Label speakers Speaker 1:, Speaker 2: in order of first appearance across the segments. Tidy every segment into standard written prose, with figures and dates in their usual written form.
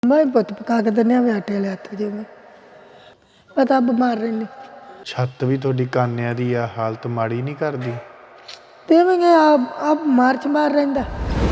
Speaker 1: ਮੈਂ ਪੁੱਤ ਪਕਾ ਕੇ ਦਿੰਦੇ ਹਾਂ ਆਟੇ ਵਾਲੇ ਹੱਥ ਜਿਵੇਂ ਪਤਾ ਬਿਮਾਰ ਰਹਿੰਦੀ
Speaker 2: ਛੱਤ ਵੀ ਤੁਹਾਡੀ ਕਾਨਿਆਂ ਦੀ ਆ, ਹਾਲਤ ਮਾੜੀ ਨਹੀਂ ਕਰਦੀ?
Speaker 1: ਦੇਵਾਂਗੇ ਆਪ ਮਾਰਚ ਮਾਰ ਰਹਿੰਦਾ।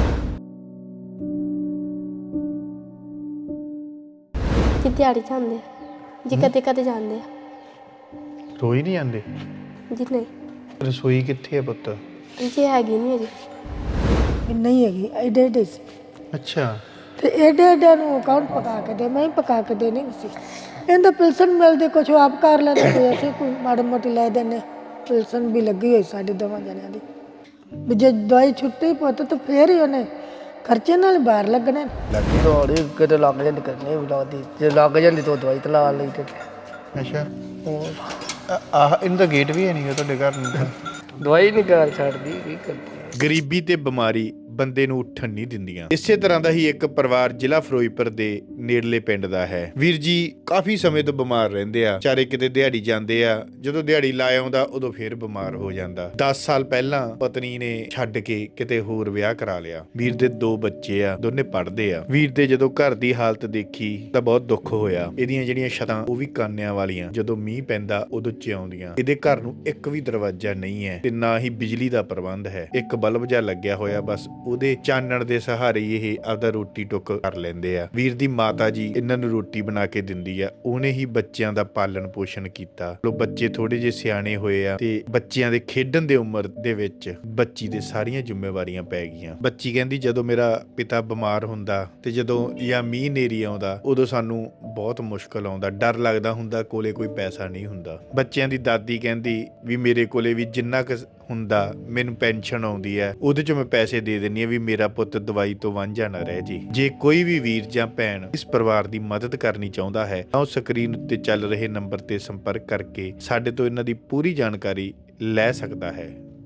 Speaker 3: ਜੀ ਦਿਹਾੜੀ ਜਾਂਦੇ ਆ ਜੀ, ਕਦੇ ਕਦੇ ਜਾਂਦੇ ਆ
Speaker 2: ਰੋਈ ਨਹੀਂ ਜਾਂਦੇ?
Speaker 3: ਜੀ। ਨਹੀਂ
Speaker 2: ਰਸੋਈ ਕਿੱਥੇ ਆ ਪੁੱਤ?
Speaker 3: ਜੀ ਹੈਗੀ ਨਹੀਂ ਅਜੇ।
Speaker 1: ਨਹੀਂ ਹੈਗੀ ਐਡੇ ਐਡੇ ਸੀ
Speaker 2: ਅੱਛਾ।
Speaker 1: ਤੇ ਐਡੇ ਐਡੇ ਨੂੰ ਕੌਣ ਪਕਾ ਕੇ ਦੇ? ਮੈਂ ਹੀ ਪਕਾ ਕੇ ਦੇਣੀ ਸੀ। ਇਹਦਾ ਪਿਲਸਨ ਮਿਲਦੀ ਕੁਛ ਆਪ ਕਰ ਲੈਂਦੇ, ਕੋਈ ਅਸੀਂ ਕੋਈ ਮਾੜੀ ਮੋਟੀ ਲੈ ਦਿੰਦੇ। ਪਿਲਸਨ ਵੀ ਲੱਗੀ ਹੋਈ ਸਾਡੇ ਦੋਵਾਂ ਜਣਿਆਂ ਦੀ ਵੀ ਜੇ ਦਵਾਈ ਛੁੱਟੀ ਪੁੱਤ ਤਾਂ ਫੇਰ ਹੀ ਉਹਨੇ ਖਰਚੇ ਨਾਲ ਬਾਹਰ ਲੱਗਣੇ।
Speaker 4: ਦੌੜ ਕਿਤੇ ਲੱਗ ਜਾਂਦੀ ਕਰਨੀ ਵੀ ਲੱਗਦੀ, ਜੇ ਲੱਗ ਜਾਂਦੀ ਤਾਂ ਦਵਾਈ ਤੇ ਲਾ ਲਈ ਤੇ
Speaker 2: ਅੱਛਾ। ਆਹ ਇਹਦਾ ਗੇਟ ਵੀ ਹੈ ਨਹੀਂ ਤੁਹਾਡੇ ਘਰ ਨੂੰ ਤਾਂ?
Speaker 4: ਦਵਾਈ ਨਹੀਂ ਕਰ ਛੱਡਦੀ, ਕੀ ਕਰਦੀ।
Speaker 2: ਗਰੀਬੀ ਤੇ ਬਿਮਾਰੀ ਬੰਦੇ ਨੂੰ ਉੱਠਣ ਨਹੀਂ ਦਿੰਦੀਆਂ। ਇਸੇ ਤਰ੍ਹਾਂ ਦਾ ਹੀ ਇੱਕ ਪਰਿਵਾਰ ਜ਼ਿਲ੍ਹਾ ਫਿਰੋਜ਼ਪੁਰ ਦੇ ਨੇੜਲੇ ਪਿੰਡ ਦਾ ਹੈ। ਵੀਰ ਜੀ ਕਾਫੀ ਸਮੇਂ ਤੋਂ ਬਿਮਾਰ ਰਹਿੰਦੇ ਆ, ਚਾਰੇ ਕਿਤੇ ਦਿਹਾੜੀ ਜਾਂਦੇ ਆ, ਜਦੋਂ ਦਿਹਾੜੀ ਲਾ ਆਉਂਦਾ ਉਦੋਂ ਫੇਰ ਬਿਮਾਰ ਹੋ ਜਾਂਦਾ। 10 ਸਾਲ ਪਹਿਲਾਂ ਪਤਨੀ ਨੇ ਛੱਡ ਕੇ ਕਿਤੇ ਹੋਰ ਵਿਆਹ ਕਰਾ ਲਿਆ। ਵੀਰ ਦੇ 2 ਬੱਚੇ ਆ, ਦੋਨੇ ਪੜ੍ਹਦੇ ਆ। ਵੀਰ ਦੇ ਜਦੋਂ ਘਰ ਦੀ ਹਾਲਤ ਦੇਖੀ ਤਾਂ ਬਹੁਤ ਦੁੱਖ ਹੋਇਆ। ਇਹਦੀਆਂ ਜਿਹੜੀਆਂ ਛੱਤਾਂ ਉਹ ਵੀ ਕਾਨਿਆਂ ਵਾਲੀਆਂ, ਜਦੋਂ ਮੀਂਹ ਪੈਂਦਾ ਉਦੋਂ ਚਿਆਉਂਦੀਆਂ। ਇਹਦੇ ਘਰ ਨੂੰ ਇੱਕ ਵੀ ਦਰਵਾਜ਼ਾ ਨਹੀਂ ਹੈ ਤੇ ਨਾ ਹੀ ਬਿਜਲੀ ਦਾ ਪ੍ਰਬੰਧ ਹੈ। ਇੱਕ ਬਲਬ ਜਿਹਾ ਲੱਗਿਆ ਹੋਇਆ, ਬਸ ਉਹਦੇ ਚਾਨਣ ਦੇ ਸਹਾਰੇ ਇਹ ਆਪਦਾ ਰੋਟੀ ਟੁੱਕ ਕਰ ਲੈਂਦੇ ਆ। ਵੀਰ ਦੀ ਮਾਤਾ ਜੀ ਇਹਨਾਂ ਨੂੰ ਰੋਟੀ ਬਣਾ ਕੇ ਦਿੰਦੀ ਆ, ਉਹਨੇ ਹੀ ਬੱਚਿਆਂ ਦਾ ਪਾਲਣ ਪੋਸ਼ਣ ਕੀਤਾ। ਲੋ ਬੱਚੇ ਥੋੜੇ ਜਿਹੇ ਸਿਆਣੇ ਹੋਏ ਆ ਤੇ ਬੱਚਿਆਂ ਦੇ ਖੇਡਣ ਦੇ ਉਮਰ ਦੇ ਵਿੱਚ ਬੱਚੀ ਦੇ ਸਾਰੀਆਂ ਜ਼ਿੰਮੇਵਾਰੀਆਂ ਪੈ ਗਈਆਂ। ਬੱਚੀ ਕਹਿੰਦੀ ਜਦੋਂ ਮੇਰਾ ਪਿਤਾ ਬਿਮਾਰ ਹੁੰਦਾ ਤੇ ਜਦੋਂ ਜਾਂ ਮੀਂਹ ਨੇਰੀ ਆਉਂਦਾ ਉਦੋਂ ਸਾਨੂੰ ਬਹੁਤ ਮੁਸ਼ਕਲ ਆਉਂਦਾ, ਡਰ ਲੱਗਦਾ ਹੁੰਦਾ, ਕੋਲੇ ਕੋਈ ਪੈਸਾ ਨਹੀਂ ਹੁੰਦਾ। ਬੱਚਿਆਂ ਦੀ ਦਾਦੀ ਕਹਿੰਦੀ ਵੀ ਮੇਰੇ ਕੋਲੇ ਵੀ ਜਿੰਨਾ ਕੁ ਹੁੰਦਾ ਮੈਨੂੰ ਪੈਨਸ਼ਨ ਆਉਂਦੀ ਹੈ ਉਹਦੇ ਚ ਮੈਂ ਪੈਸੇ ਦੇ ਦਿੰਦੀ ਆ ਵੀ ਮੇਰਾ ਪੁੱਤ ਦਵਾਈ ਤੋਂ ਵਾਂਝਾ ਨਾ ਰਹਿ ਜੇ। ਜੇ ਕੋਈ ਵੀ ਵੀਰ ਜਾਂ ਭੈਣ ਇਸ ਪਰਿਵਾਰ ਦੀ ਮਦਦ ਕਰਨੀ ਚਾਹੁੰਦਾ ਹੈ ਤਾਂ ਉਹ ਸਕਰੀਨ ਉੱਤੇ ਚੱਲ ਰਹੇ ਨੰਬਰ ਤੇ ਸੰਪਰਕ ਕਰਕੇ ਸਾਡੇ ਤੋਂ ਇਹਨਾਂ ਦੀ ਪੂਰੀ ਜਾਣਕਾਰੀ ਲੈ ਸਕਦਾ ਹੈ।